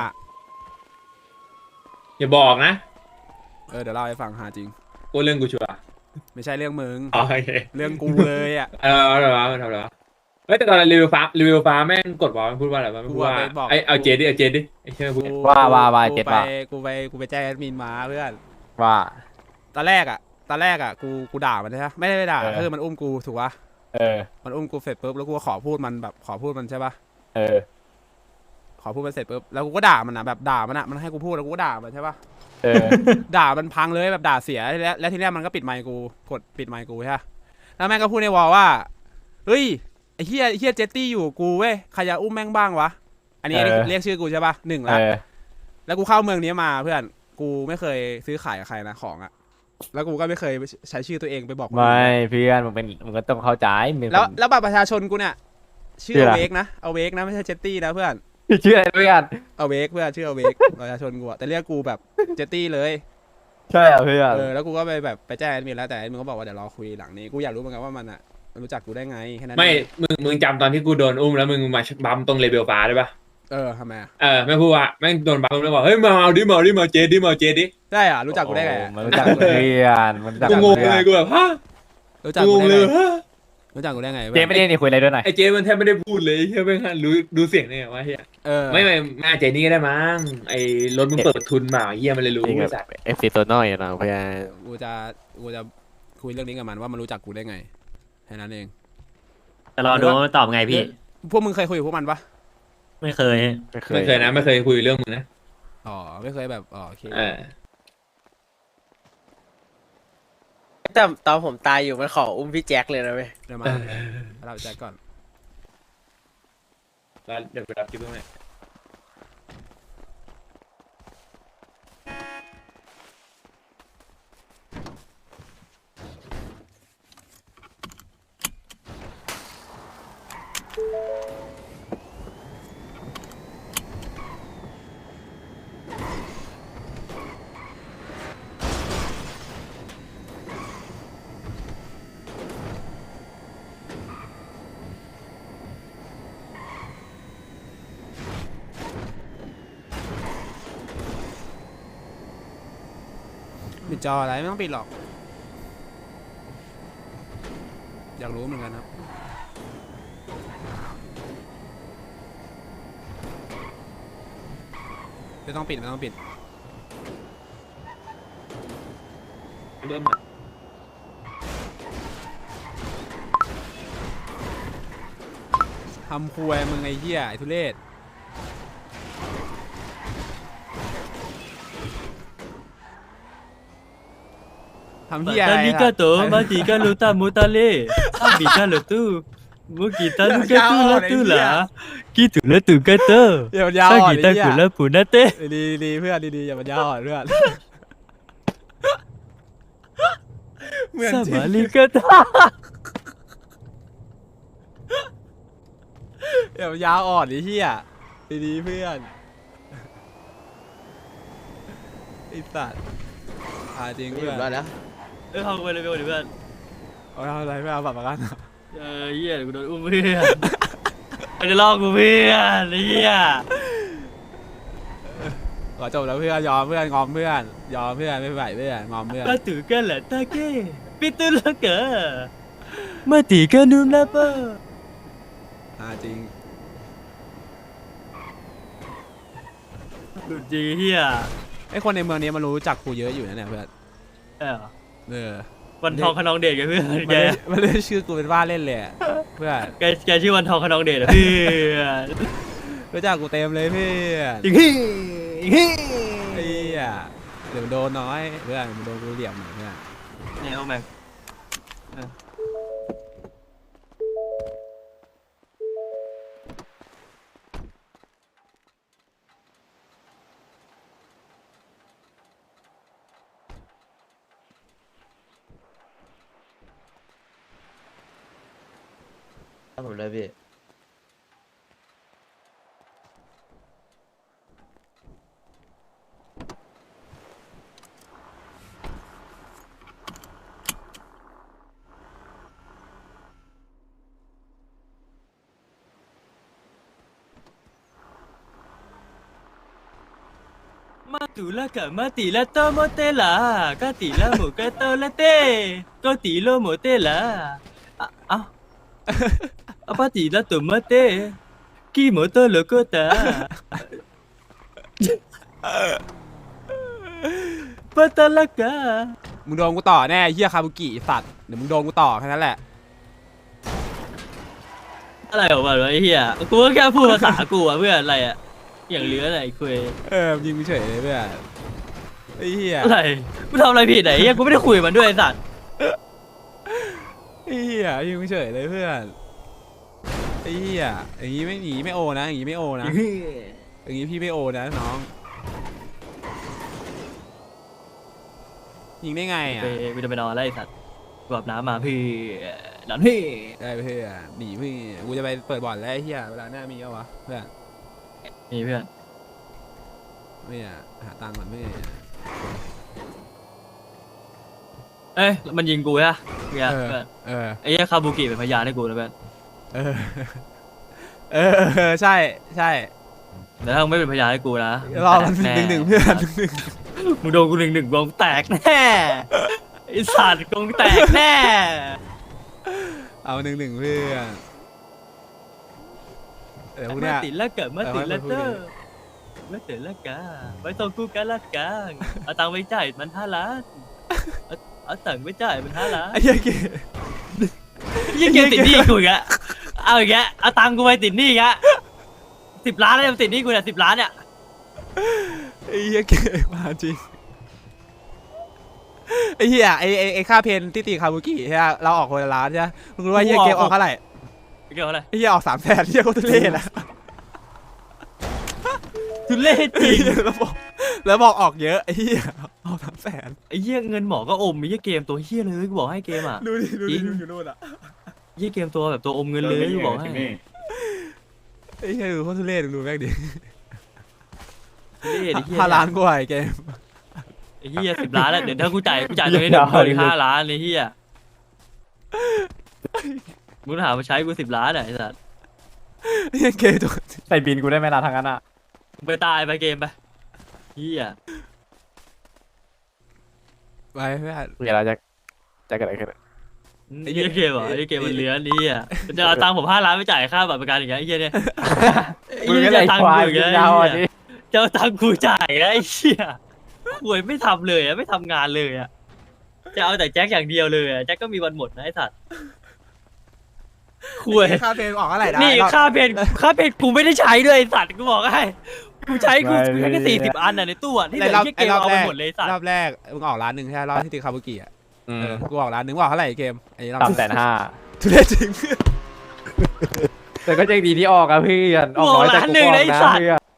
Speaker 10: อย่าบอกนะ
Speaker 1: เออเดี๋ยวเล่าให้ฟังฮาจริง
Speaker 10: กูเรื่องกูชัวร์
Speaker 1: ไม่ใช่เรื่องมึง
Speaker 10: อ๋อโอเค
Speaker 1: เรื่องกูเลยอ่ะ
Speaker 10: เออเอาเหรอวะมันทำอะไรวะเฮ้ยแต่ตอนรีวิวฟ้ารีวิวฟ้าแม่งกดบอกมันพูดว่าอะไรวะมันพูดว่า
Speaker 1: กูอะไปบอก
Speaker 10: ไอเอาเจดดิเอาเจดดิไอเชื่อพูด
Speaker 1: กู
Speaker 2: ว่าว่าว่า
Speaker 1: กู
Speaker 2: เจ็ด
Speaker 1: ไป
Speaker 2: ว่า
Speaker 1: กูไปกูไปแจ้งแอดมินมาเพื่อน
Speaker 2: ว่า
Speaker 1: ตอนแรกอ่ะตอนแรกอ่ะกูกูด่ามันใช่ไหมไม่ได้ไม่ด่า
Speaker 2: เออ
Speaker 1: คือมันอุ้มกูถูกปะ
Speaker 2: เออ
Speaker 1: มันอุ้มกูเสร็จปุ๊บแล้วกูก็ขอพูดมันแบบขอพูดมันใช่ปะ
Speaker 2: เออ
Speaker 1: ขอพูดมันเสร็จปุ๊บแล้วกูก็ด่ามันนะแบบด่ามันอ่ะมันให้กูพูดแล้วกูก็ด่ามันใช่ปะ
Speaker 2: เออ
Speaker 1: ด่ามันพังเลยแบบด่าเสียแล้วแล้วทีแรกมันก็ปิดไมค์กูกดปิดไมค์กูใช่ปะแล้วแม่งก็พูดในวอลว่าเฮ้ยไอ้เฮียไอ้เฮียเจตตี้อยู่กับกูเว้ยใครจะอุ้มแม่งบ้างวะอันนี้
Speaker 2: เออ
Speaker 1: เรียกชื่อกูใช่ปะหนึ่ง
Speaker 2: เอ
Speaker 1: ละ
Speaker 2: อ
Speaker 1: แล้วกูเข้าเมืองนี้มาเพื่อนกูไม่เคยซื้อขายกับใครนะของอะแล้วกูก็ไม่เคยใช้ชื่อตัวเองไปบอกคนอื่น
Speaker 2: ไม่เพื่อนมึงเป็นมึงก็ต้องเข้าใจมึง
Speaker 1: แล้วแล้วบัตรประชาชนกูเนี่ยชื่อ
Speaker 2: ชื่อ
Speaker 1: อ
Speaker 2: อะไร
Speaker 1: เวกนะเอาเวกนะไม่ใช่เจตตี้นะเพื่อน
Speaker 2: ชื่ออะไรเพื่อน
Speaker 1: เอาเวกเพื่อนชื่อเอาเวก ประชาชนกูอะแต่เรียกกูแบบเจตตี้เลย
Speaker 2: ใช่เหรอเพื่อน
Speaker 1: เออแล้วกูก็ไปแบบไปแจ้งแอดมินแล้วแต่แอดมินก็บอกว่าเดี๋ยวรอคุยหลังนี้กูอยากรู้เหมือนกันว่ามันอะมันรู้จักกูได้ไงแค่นั้น
Speaker 10: ไม่
Speaker 1: เอง
Speaker 10: มึงมึงจำตอนที่กูโดนอุ้มแล้วมึงมาบัมตรงเลเวลฟ้าได้ปะ
Speaker 1: เออทำไมอะ
Speaker 10: เออแม่งพูดว่าแม่งโดนบัมแล้วบอกเฮ้ยมาเอาดิมาเอาดิมาเอาเจดดิมาเอาเจดดิ
Speaker 1: ได้อะรู้จักกูได้ไงอะ
Speaker 2: มันรู้จักเพื่อนมันรู้จัก
Speaker 10: กูงง
Speaker 2: เพื่อน
Speaker 10: เลยกูแบบฮะ
Speaker 1: รู้จัก
Speaker 10: กู
Speaker 1: กู
Speaker 10: งง
Speaker 1: ได้
Speaker 10: เล
Speaker 1: ไง
Speaker 10: ยฮะ
Speaker 1: รู้จักกูได้ไง
Speaker 2: เจไม่ได้นี่คุยอะไรด้วยหน่อย
Speaker 10: ไอเจดมันแทบไม่ได้พูดเลยเฮียแม่งรู้ดูเสียงเนี่ยว่าเฮีย
Speaker 1: เออ
Speaker 10: ไม่ไม่แม่เจนี่ก็ได้มั้งไอรถมึงเปิดทุนมาเฮียมันเลยรู้
Speaker 4: จริง
Speaker 10: ไอ
Speaker 4: แบบ
Speaker 10: สัตว์
Speaker 4: เอฟซีตัวน้อยอะนะเพื่อน
Speaker 1: กูจะกูจะคุยเรื่องนี้กับมันว่ามันรู้จักกูได้ไงแค่นั้นเอง
Speaker 3: แต่รอดูว่ามันตอบไงพี่
Speaker 1: พวกมึงเคยคุยกับพวกมันปะ
Speaker 3: ไม่เคย
Speaker 4: ไม่เค
Speaker 10: ไม่
Speaker 4: ย
Speaker 10: เคยนะไม่เคยคุยเรื่องมึงนะ
Speaker 1: อ๋อไม่เคยแบบอ๋อโอเค
Speaker 10: เออ
Speaker 11: แต่ตอนผมตายอยู่มันขออุ้มพี่แจ็คเลยนะเว้ย
Speaker 1: เดี๋ยวมาเราแจ็คก่อน
Speaker 10: แล้วเดี๋ยวไปรับคลิปด้วย
Speaker 1: ปิดจออะไรไม่ต้องปิดหรอก อยากรู้เหมือนกันครับไม่ต้องปิดไม่ต้องปิด
Speaker 10: เริ่ม
Speaker 1: ทำควยมึงไอ้เหี้ยไอ้ทุเรศทำเหี้ยอะไร
Speaker 3: Tali
Speaker 1: ล่ะ
Speaker 3: kato, mati kalau tak mutale. Abi kalau tu, mungkin tak lu kata lah tu lah. Gitu lah tu kata.
Speaker 1: อย่ามันยาวอ่อน
Speaker 3: Sagi
Speaker 1: ไอ้เหี้ย
Speaker 3: tak gula pun nate.
Speaker 1: ดีๆดีๆเพื่อนดีๆอย่ามันยาวอ่อนเพื่อนเหมือนจริง
Speaker 3: Sama li kata.
Speaker 1: อย่ามันยาวอ่อนไอ้เหี้ยดีๆเพื่อนไอ้สัตว์อ่าจริง
Speaker 11: ไม่อ
Speaker 1: เพื่อยู่ น
Speaker 11: บ้านแล้ว
Speaker 3: เอ้ยพากูไปเลยไปก่อนดิเพื่อน
Speaker 1: เอาทำอะไรไม่เอาบัตรประกัน
Speaker 3: เออเหี้ยเดี๋ยวกูโดนอุ้มเพื่อนมันจะลอกกูเพื่อนเหี้ย
Speaker 1: ขอจบแล้วเพื่อนยอมเพื่อนงอมเพื่อนยอมเพื่อนไม่ไหวเพื่อนงอมเพื่อน
Speaker 3: Batu kan lah take. Pitu lah ke. Mati kan nun apa.
Speaker 1: อ่าจริง
Speaker 3: หลุดจริงเหี้ย
Speaker 1: ไอ้คนในเมืองนี้มันรู้จักกูเยอะอยู่นะเนี่ยเพื่อน
Speaker 3: เออ
Speaker 1: เออ
Speaker 3: วันทองขนองเดชกับเพื่อน
Speaker 1: มัน
Speaker 3: แก
Speaker 1: เรียกมันเรียกชื่อกูเป็นว่าเล่นเลยอะเพื่อน
Speaker 3: แกแกชื่อวันทองขนองเดชอะเพื่อน
Speaker 1: รู้จักกูเต็มเลยเพื่อน
Speaker 3: อีกฮีอีกฮี
Speaker 1: ไอ้เหี้ยเดี๋ยวมันโดนน้อยเพื่อนมันโดนกูเหลี่ยมหน่อยเพื่อน
Speaker 3: เนี่ยโอ้แม่ง
Speaker 11: ผมเลยพี่
Speaker 3: ตูละกะมาตีละโตโมเตละกะตีละหมูกะโตละเต้ก็ตีโลโมเตละอ่ะเอ้าอะปาตีละตุมเต้กีโมโตโลโกตาปะตะละกะ
Speaker 1: มึงโดนกูต่อแน่ไอ้เฮียคาบุกิไอ้สัตว์เดี๋ยวมึงโดนกูต่อแค่นั้นแหละ
Speaker 3: อะไรของมันวะไอ้เหี้ยกูก็แค่พูดภาษากูอะเพื่อนอะไรอะอย่างเหลืออะไรคุย
Speaker 1: เออยิงกูเฉยเลยเพื่อนไอ้เฮีย
Speaker 3: อะไรกูทำอะไรผิดไหนเหี้ยกูไม่ได้คุยกับมันด้วยไอ้สัตว์
Speaker 1: ไอ้เฮียยิงกูเฉยเลยเพื่อนไอ้เฮียอย่างงี้ไม่หนีไม่โอนะอย่างงี้ไม่โอนะอย่างงี้พี่ไม่โอนะน้องยิงได้ไงอ่ะ
Speaker 3: ไปกูจะไปนอนแล้วไอ้สัตว์กูอาบน้ำมาพี่นอนพี่
Speaker 1: ได้เพื่อนหนีเพื่อนกูจะไปเปิดบ่อนแล้วไอ้เฮียเวลาหน้ามีเอาวะเพื่อน
Speaker 3: นี่เพื่อน
Speaker 1: ไม่อะหาตังค์ก่อนเพื่อน
Speaker 3: เอ้ยมันยิงกูใช่ปะเพื่อน
Speaker 1: เออ
Speaker 3: เพื่อน
Speaker 1: เออ
Speaker 3: ไอ้เหี้ยคาบุกิเป็นพยานให้กูนะเพื่อน
Speaker 1: เออเออเออใช่ใช่
Speaker 3: แต่ถ้ามึงไม่เป็นพยานให้กูนะ
Speaker 1: รอมัน
Speaker 3: แตก
Speaker 1: หนึ่งหนึ่งเพื่อนหนึ่งหนึ่ง
Speaker 3: มึงโดนกูหนึ่งหนึ่งวงแตกแน่ไอ้สัตว์กงแตกแน่
Speaker 1: เอาหนึ่งหนึ่งเพื่อนเดี๋ยวพวก
Speaker 3: มา
Speaker 1: เนี้ย
Speaker 3: ติดละเกิดมาติดละเตอ
Speaker 1: เออ
Speaker 3: ร์มาติดละกาไว้ส่งกูกันละกันเอาตังค์ไปจ่ายมันห้าล้านเอาเอาตังค์ไปจ่ายมันห้าล้าน
Speaker 1: ไอ้เหี้ยเก
Speaker 3: ยี่เกมติดหนี้กูอีกอะเอาอีกแล้วเอาตังค์กูไปติดหนี้อีกอะสิบล้านแล้วยังติดหนี้กูเนี่ยสิบล้านเนี่ย
Speaker 1: ไอ้เหี้ยเกมาจริงไอ้เหี้ยไอ้ไอ้ไอ้ค่าเพนที่ตีคาบุกิใช่ไหมเราออกคนละล้านใช่ไหมมึงรู้ว่าไอ้เหี้ยเกมออกเท่าไหร่
Speaker 3: เกี่ยวอะไร
Speaker 1: ไอ้เหี้ยออกสามแสนเหี้ยโคตรทุเรศอะ
Speaker 3: ทุเล่จริง
Speaker 1: แล้วบอกแล้วบอกออกเยอะไอ้เหี้ยออกสามแสน
Speaker 3: ไอ้เหี้ยเงินหมอก็อมไอ้เหี้ยเกมตัวเหี้ยเลยกูบอกให้เกมอ่ะ
Speaker 1: ดูดิดู
Speaker 3: จริ
Speaker 1: ดิ
Speaker 3: ง
Speaker 1: อยู่นู่นอะ
Speaker 3: เหี้ยเกมตัวแบบตัวอมเงินเลยกูบอกให้
Speaker 1: ไอ้เหี้ยดูโคตรทุเรศดูแม่งดิ
Speaker 3: ทุเล่ไอ้เหี้ย
Speaker 1: ห้าล้านกว่าไอ้เกม
Speaker 3: ไอ้เหี้ยสิบล้านแล้วเดี๋ยวถ้ากูจ่ายกูจ่ายตัวนี้เดี๋ยวกูอีกห้าล้านไอ้เหี้ยมึงถามมาใช้กูสิบล้านอ่ะไอ้สัส
Speaker 1: ไอ้เหี้ยเกมตัว
Speaker 2: ใส่บินกูได้ไหมล่ะทางนั้นอ่ะ
Speaker 3: มึงไปตายไปเกมไปเหี้ย
Speaker 1: ไปเพื่อน
Speaker 2: เวลาจะจะเกิดอะไรขึ้น
Speaker 3: ไอ้เหี้ยเกมเหรอไอ้เกมมันเลื้อนนี่อ่ะมันจะเอาตังค์ผมห้าล้านไปจ่ายค่าบัตรประกันอย่างเงี้ยไอ้เหี้ยเนี่ย
Speaker 2: มึงก็เลย
Speaker 3: จะเอาตัง
Speaker 2: ควาย
Speaker 3: ค์กูอย่าง
Speaker 2: มึง
Speaker 3: เงี้ย
Speaker 2: ยาว
Speaker 3: ไอ้
Speaker 2: อ่ะ
Speaker 3: เหี้
Speaker 2: ดิ
Speaker 3: ยจะเอาตังค์กูจ่ายนะไอ้เหี้ยหวยไม่ทำเลยอ่ะไม่ทำงานเลยอ่ะจะเอาแต่แจ็คอย่างเดียวเลยอ่ะแจ็คก็มีวันหมดนะไอ้สัตว์หวย
Speaker 1: ค่าเพนออกเท่าไหร่ได้
Speaker 3: นี่
Speaker 1: รอบ
Speaker 3: ค่าเพนค่าเพนกูไม่ได้ใช้ด้วยไอ้สัตว์กูบอกให้กูใช้กูกูใช้แค่สี่สิบอันน่ะในตู้อ่ะที่เหลือ
Speaker 1: รอบ
Speaker 3: ที่เก
Speaker 1: ไอ้
Speaker 3: ม
Speaker 1: รอบ
Speaker 3: เอา
Speaker 1: แร
Speaker 3: ไป
Speaker 1: ก
Speaker 3: หมดเลยไอ้สัต
Speaker 1: รอ
Speaker 3: ว์
Speaker 1: บแรกมึงออกร้านหนึ่งใช่ไหมรอบที่ตีคาบุกิอ่ะ
Speaker 2: อื
Speaker 1: เอ
Speaker 2: ม
Speaker 1: อกูออกร้านหนึ่งว่าเท่าไหร่เกมไอ้รอบ
Speaker 2: สามแสนห้า
Speaker 1: ทุเรศจริง
Speaker 2: แต่ก็ยังดีที่ออกอะเพื่อนออกน้อยแต่กูก็ออกนะเพื่อน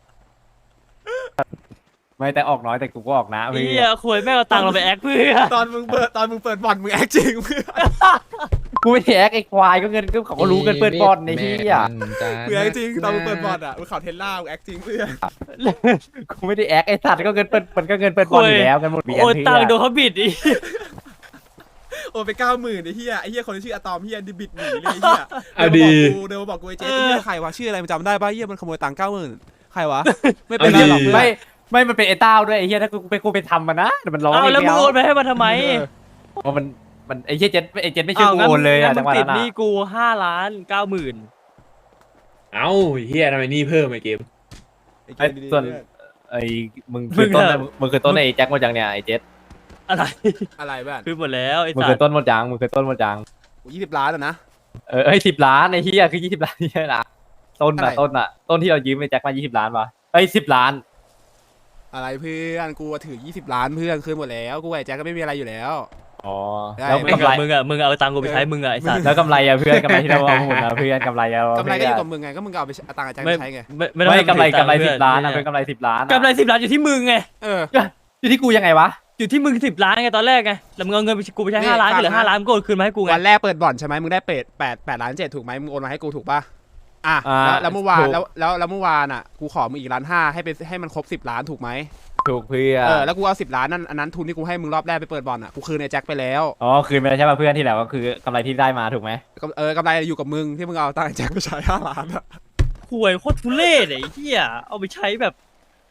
Speaker 2: ไม่แต่ออกน้อยแต่กูก็ออกนะ
Speaker 3: ไอ้
Speaker 2: เพื่
Speaker 3: เหี้
Speaker 2: อย น
Speaker 3: ควยแม่งเอาตังค์เราไปแอคเพื่อ
Speaker 1: ตอนมึงเปิดตอนมึงเปิดบ่อนมึงแอคจริงเพื่อน
Speaker 2: กูไม่แท็กไอ้ควายก็เงินก็เขาก็รู้กันเปิดบอลในที่อ่ะ
Speaker 1: มึงแอคจริงตอนมึงเปิดบ่อนอ่ะมึงขับเทสลามึงแอคจริงเพื่อน
Speaker 2: กูไม่ได้แอคไอ้สัตว์ก็เงินเปิดมันก็เงินเปิดบอลอยู่แล้วกันหมดเบียน
Speaker 3: โอน
Speaker 2: เพื่
Speaker 3: ตังค์โด
Speaker 2: อน
Speaker 3: เขาบิดอี
Speaker 1: โอนไปเก้าหมื่นไอ้เหี้ยไอ้เหี้ยคนที่ชื่ออะตอมเหี้ยดิบิดหนีเลยไอ้เหี้ย
Speaker 10: เอาดี
Speaker 1: เดี๋ยวมาบอกกูไอ้เจ๊ไอ้เหี้ยใครวะชื่ออะไรมันจำได้ป่ะเหี้ยมันขโมยตังค์เก้าหมื่นใครวะไม่เป็นไรหรอกเพื่อน
Speaker 2: ไม่ไม่มันเป็นไอ้เต้าด้วยไอ้เหี้ยถ้ากูไปกูไปทำมันนะแต่มันร้อง
Speaker 3: เอา
Speaker 2: ไม่
Speaker 3: แล้วมึง
Speaker 2: เอา
Speaker 3: โอนไปให้มันทำไม
Speaker 2: เพราะมันมันไอ้เหี้ยเจ็ดไอ้เจ็ดไม่ช่วยกูโอนเลยอะจังหวะ
Speaker 3: ติ
Speaker 2: นั้
Speaker 3: ด
Speaker 2: น
Speaker 3: ห
Speaker 2: อะ
Speaker 3: นี้กูห้าล้านเก้าหมื่น
Speaker 10: เอ้าเฮียทำไมนี่เพิ่มไอ้เกม
Speaker 2: ไอ้ส่วนไอ้มึงคือต้นมึงคือต้นไอ้แจ็คหมดยังเนี่ยไอ้เจ็ด
Speaker 3: อะไร
Speaker 1: อะไรบ้าน
Speaker 3: คือหมดแล้วไอ้
Speaker 2: มึง
Speaker 3: สั
Speaker 2: คือ
Speaker 3: ตว์
Speaker 2: ต้นหมดยังมึงคือต้นหมดยัง
Speaker 1: ยี่สิบล้านอ่ะนะ
Speaker 2: เออเอ้ยสิบล้านไอ้เหี้ยคือยี่สิบล้านนี่นะต้น
Speaker 1: เท่าไหร่
Speaker 2: อะต้นอะต้นที่เรายืมไอ้แจ็คมายี่สิบล้านป่ะไอ้สิบล้าน
Speaker 1: อะไรเพื่อนกูถือยี่สิบล้านเพื่อนคืนหมดแล้วกูไอ้แจ็คก็ไม่มีอะไรอยู่แล้ว
Speaker 2: อ๋อ
Speaker 1: ได้
Speaker 2: แล้ว
Speaker 3: มึง
Speaker 2: กำไร
Speaker 3: อะมึงอะมึงเอาตังค์กูไปใช้มึงอะไอ้สัตว์
Speaker 2: แล้วกำไรอะเพื่อนกำไรที่เราเอาหมดนะเพื่อนกำไรอะ
Speaker 1: กำไรก็อยู่กับมึงไงก็มึงก็เอาไปเอาตังค์ไอ้แจ็ค
Speaker 3: ไม่
Speaker 1: ไปใช้ไง
Speaker 3: ไม่
Speaker 2: ไม่
Speaker 3: ต้อง
Speaker 2: ไม่กำไร
Speaker 3: ให้
Speaker 2: กำไร
Speaker 3: เพื่
Speaker 2: สิ
Speaker 3: อน
Speaker 2: บล้านอะเป็นกำไรสิบล้านอะ
Speaker 3: กำไรสิบล้านอยู่ที่มึงไง
Speaker 1: เออ
Speaker 2: อยู่ที่กูยังไงวะ
Speaker 3: อยู่ที่มึงสิบล้านไงตอนแรกไงแล้วมึงเอาเงินไปกูไปใช้ห้าล้านก็เหลือห้าล้านมึงก็โอนคืนมาให้กูไง
Speaker 1: วันแรกเปิดบ่อนใช่ไหมมึงได้เป็ดแปดแปดล้านเจ็ดถูกไหมมึงโอนมาให้กูถูกป่ะอ่ะ
Speaker 2: อ่า
Speaker 1: แล้วแล้วเมื่อวาน
Speaker 2: ถูก
Speaker 1: แล้วแล้วแล้วเมื่อวานอ่ะกูขอมึงอีกล้านห้าให้ไปให้มันครบสิบล้านถูกไหม
Speaker 2: ถูกเพื่อน
Speaker 1: เออแล้วกูเอาสิบล้านนั่นอันนั้นทุนที่กูให้มึงรอบแรกไปเปิดบ่อนอ่ะกูคืนไอ้แจ็คไปแล้ว
Speaker 2: อ๋อคืนไปแล้วใช่ป่ะเพื่อนที่แล้วก็คือกำไรที่ได้มาถูกไหม
Speaker 1: กำเออกำไรอยู่กับมึงที่มึงเอาตังค์ไอ้แจ็คไปใช้ห้าล้านอ่ะ
Speaker 3: หวยโคตรทุเรศไอ้เหี้ยเอาไปใช้แบบ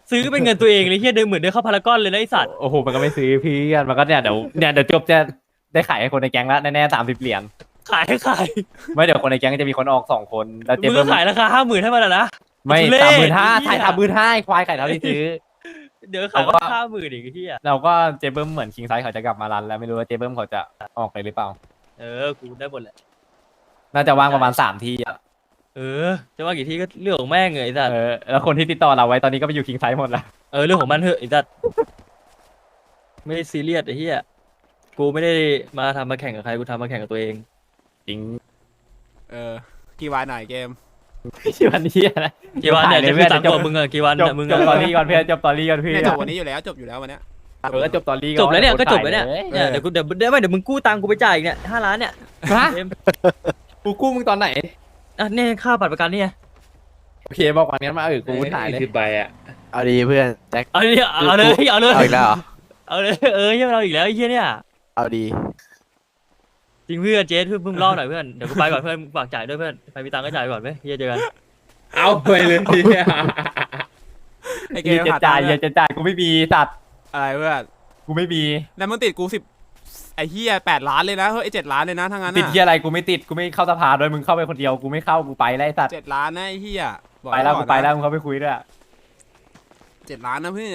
Speaker 3: ซื้อเป็นเงินตัวเองเลยเฮียเดินเหมือนเดินเข้าพารากอนเลยนะไอสัตว์
Speaker 2: โอ้โหมันก็ไม่ซื้อเพื่อนมันก็เนี่ยเดี๋ยวเนี่ยเดี๋ยวจบจะได้ขายให้คนในแก๊งละแน่ๆสามสิบเหรียญ
Speaker 3: ขายขาย
Speaker 2: ไม่เดี๋ยวคนในแก๊งจะมีคนออกสองคนแล้วเจ๊
Speaker 3: มึง
Speaker 2: เบิ้
Speaker 3: ก็
Speaker 2: ม
Speaker 3: ขายราคาห้าหมื่นให้มันอะนะ
Speaker 2: ไม่
Speaker 3: ทุเรศ
Speaker 2: สามหมื่นห้า
Speaker 3: ไอ้เหี้
Speaker 2: ถ่าย ยสามหมื่นห้าควายไข่เท่าที่ซื้อ
Speaker 3: เดี๋ยวขาย
Speaker 2: เราก็
Speaker 3: ห้าหมื่นอีกไอ้เฮีย
Speaker 2: เราก็เจ๊เบิ้มเหมือนคิงไซส์เขาจะกลับมารันแล้วไม่รู้ว่าเจ๊เบิ้มเขาจะออกไปหรือเปล่า
Speaker 3: เออกูได้หมดแหละ
Speaker 2: น่าจะว่างประมาณสามที่อ่ะ
Speaker 3: เออจะว่ากี่ทีก็เรื่องของแม่งเลยไอ้สัตว์
Speaker 2: เออแล้วคนที่ติดต่อเราไว้ตอนนี้ก็ไปอยู่คิงไซส์หมดแล้ว
Speaker 3: เออเรื่องของมันเถอะไอ้สัตว์ไม่ได้ซีเรียสไอ้เฮียกูไม่ได้มาทำมาแข่งกับใครกูทำมาแข่งกับตัวเอง
Speaker 2: จริง
Speaker 1: เออกี่วันหน่อยเกม
Speaker 2: ชื่อวันนี้อะไร
Speaker 3: กี่วันเนี่ยจะคือตามตัวมึงอะกี่วัน
Speaker 2: จบ
Speaker 3: อะมึง
Speaker 2: จ
Speaker 3: อะ
Speaker 2: บตอรี่ก่อนเพื่อนจบตอรี่ก่อนเพื่อน
Speaker 1: เนี่ยจบวันนี้อยู่แล้วจบอยู่แล้ววันเนี้ย
Speaker 2: เออจบตอรี่ก่อน
Speaker 3: จบแล้วเนี่ยก็จบแล้วเนี่ย
Speaker 2: ออ
Speaker 3: เนี่ยเดี๋ยวกูเดี๋ยวเดี๋ยวไม่เดี๋ยวมึงกู้ตังค์กูไปจ่ายอีกเนี่ยห้าล้านเนี่ย
Speaker 2: ฮะ
Speaker 3: เอ็ม
Speaker 2: กูกู้มึงตอนไหน
Speaker 3: อ่ะเนี่ยค่าบัตรประกันเนี่ย
Speaker 2: โอเคบอกวันนี้มาเออกูถ่ายเลย
Speaker 10: สิบใบอ่ะ
Speaker 4: เอาดีเพื่อนแจ็ค
Speaker 3: เอาเลยเอาเลยเอาเลย
Speaker 4: เอาอีกแล้วเหรอ
Speaker 3: เอาเลยเออเฮียเราอีกแล้วไอ้เฮียเนี่ย
Speaker 4: เอาดี
Speaker 3: จริงเพื่อนเจสเพื่อนเพิ่งเล่าหน่อยเพื่อนเดี๋ยวกูไปก่อนเพื่อนฝากจ่ายด้วยเพื่อนใครมีตังค์ก็จ่ายก่อนไหมเฮียเจอกัน
Speaker 10: เอาไปเลยทีเนี้ย
Speaker 1: ไอเก
Speaker 2: เย
Speaker 1: ม
Speaker 2: จะ
Speaker 1: หาตั
Speaker 2: จ่าง ย
Speaker 1: ค์
Speaker 2: เยจะจ่ายกูไม่มีสัตว์
Speaker 1: อะไรเพื่อน
Speaker 2: กูไม่มี
Speaker 1: แล้วมึงติดกูสิบไอเฮียแปดล้านเลยนะเฮ้ยไอเจ็ดล้านเลยนะทั้งนั้น
Speaker 2: ติด
Speaker 1: อ่ะ
Speaker 2: ที่อะไรกูไม่ติดกูไม่เข้าสภาด้วยมึงเข้าไปคนเดียวกูไม่เข้ากูไปไล่สัตว์
Speaker 1: เจ็ดล้านนะไอเฮียบอก
Speaker 2: ไปแล้ว
Speaker 1: ก่
Speaker 2: กู
Speaker 1: อนนะ
Speaker 2: ไปแล้วมึงเข้าไปคุยด้วย
Speaker 1: เจ็ดล้านนะเพื่อน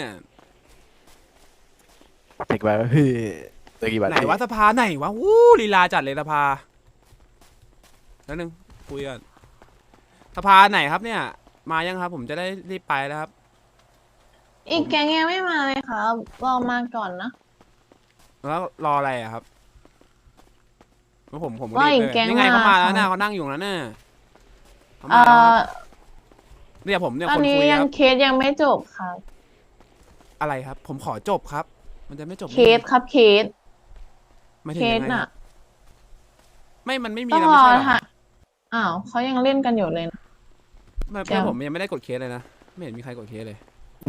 Speaker 4: เด็กไปเฮ้ยตัวกี่บาท
Speaker 1: ไหนวะสภาไหนวะวู้ลีลาจัดเลยสภาแล้วหนึ่งคุยกันสภาไหนครับเนี่ย มายังครับ ผมจะได้รีบไปแล้วครับ
Speaker 7: อีกแก๊งยังไม่มาเลยครับรอมาก่อนนะ
Speaker 1: แล้วรออะไรอะครับแล้วผมผมก็
Speaker 7: ว่า
Speaker 1: รีบ
Speaker 7: อีก
Speaker 1: เลย
Speaker 7: แก๊ง
Speaker 1: นี่ไงเขามาแล้ว
Speaker 7: มา
Speaker 1: น่ะ
Speaker 7: ค่ะ
Speaker 1: เขานั่งอยู่แล้วน่ะเขา
Speaker 7: เอ่
Speaker 1: มาแล้วค
Speaker 7: อ
Speaker 1: รับเนี่ยผมเนี่ย
Speaker 7: ตอ
Speaker 1: คน น
Speaker 7: นี้
Speaker 1: คุย
Speaker 7: ยั
Speaker 1: ค
Speaker 7: ง
Speaker 1: รับ
Speaker 7: เคสยังไม่จบครับ
Speaker 1: อะไรครับ ผมขอจบครับ มันจะไม่จบ
Speaker 7: เคสครับเคส
Speaker 1: ไม่ถึ
Speaker 7: เค
Speaker 1: ง
Speaker 7: ส
Speaker 1: ยังไงค
Speaker 7: น่ะ
Speaker 1: รับไม่มันไม่มี
Speaker 7: ต้อง
Speaker 1: แล้ว
Speaker 7: ร
Speaker 1: ไม่
Speaker 7: อ
Speaker 1: ใช่เหรอ
Speaker 7: ค่ะอ้าวเขายังเล่นกันอยู่เลยนะ
Speaker 1: ไม่เพื่อน
Speaker 7: ยัง
Speaker 1: ผมยังไม่ได้กดเคสเลยนะไม่เห็นมีใครกดเคสเลย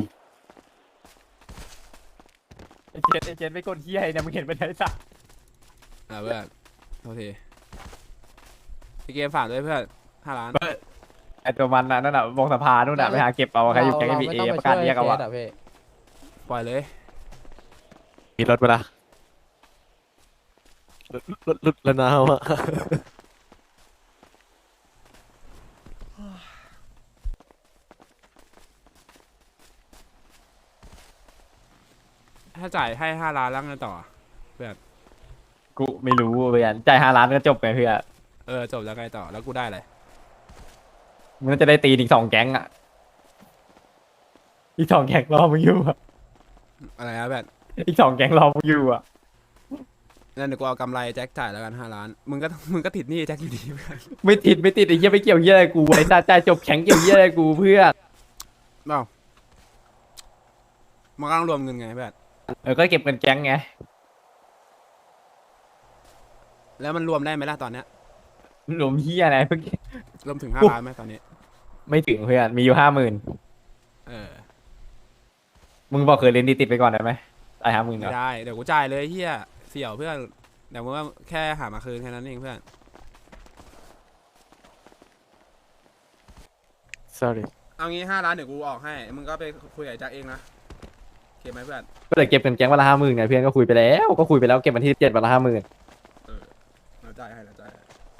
Speaker 2: ไอ้เจนไอ้เจนไม่กดเฮียเนี่ยมึงเห็นไปไหนสัตว์
Speaker 1: อ่าเพื่อนโทษทีพี่เกมฝากด้วยเพื่อนห้าล้าน
Speaker 2: ไอ้ตัวมันน่ะนั่นน่ะวงสภานู่นน่ะไปหาเก็บเอาใครอยู่แก๊งมีเอประกาศเรียกเอาอะ
Speaker 1: ปล่อยเลย
Speaker 4: มีรถปะล่ะรถรถรถแล้วนะวะ
Speaker 1: ถ้าจ่ายให้ห้าล้านแล้วไงต่อ
Speaker 2: กูไม่รู้เพื่อนจ่ายห้าล้านก็จบไปเพื่อน
Speaker 1: เออจบแล้วไงต่อแล้วกูได้อะไร
Speaker 2: มึงน่าจะได้ตีอีกสองแก๊งอ่ะอีกสองแก๊งรอมึงอยู่อะ
Speaker 1: อะไรนะแบบ
Speaker 2: อีกสองแก๊งรอมึงอยู่อ่ะ
Speaker 1: นั่นเดี๋ยวกูเอากำไรแจ็คจ่ายแล้วกันห้าล้านมึงก็มึงก็ติดหนี้แจ็คอยู่ดีเพื่อน
Speaker 2: ไม่ติดไม่ติดไอ้เหี้ยไม่เกี่ยวเหี้ยอะไรกูไอ้ตาจ่ายจบแข็งเกี่ยวเหี้ยอะไรกูเพื่อน
Speaker 1: เปล่ามันก็ต้องรวมเงินไงแบบ
Speaker 2: เออก็เก็บเงินแก๊งไง
Speaker 1: แล้วมันรวมได้ไหมล่ะตอนเนี้ย
Speaker 2: รวมเหี้ยอะไรเพิ่ง
Speaker 1: รวมถึงห้าล้านไหมตอนนี้
Speaker 2: ไม่ถึงเพื่อนมีอยู่ห้าหมื่น
Speaker 1: เออ
Speaker 2: มึงบอกเคยเล่นดีติดไปก่อนได้ไหมไอ้ห้าหมื่น
Speaker 1: ไม่
Speaker 2: เนาะ
Speaker 1: ได้เดี๋ยวกูจ่ายเลยเฮียเสี่ยวเพื่อนเดี๋ยวมึงว่าแค่หามาคืนแค่นั้นเองเพื่อน
Speaker 4: sorry
Speaker 1: เอางี้ห้าล้านเดี๋ยวกูออกให้มึงก็ไปคุยกับแจ็คเองนะโอเคไหมเพื่อน
Speaker 2: ก็เลยเก็บเงินแก๊งวันละห้าหมื่นไงเพื่อนก็คุยไปแล้วก็คุยไปแล้วเก็บวันที่เจ็ดวันละห้าหมื่น
Speaker 1: เออเราจ่ายให้เราจ่ายให้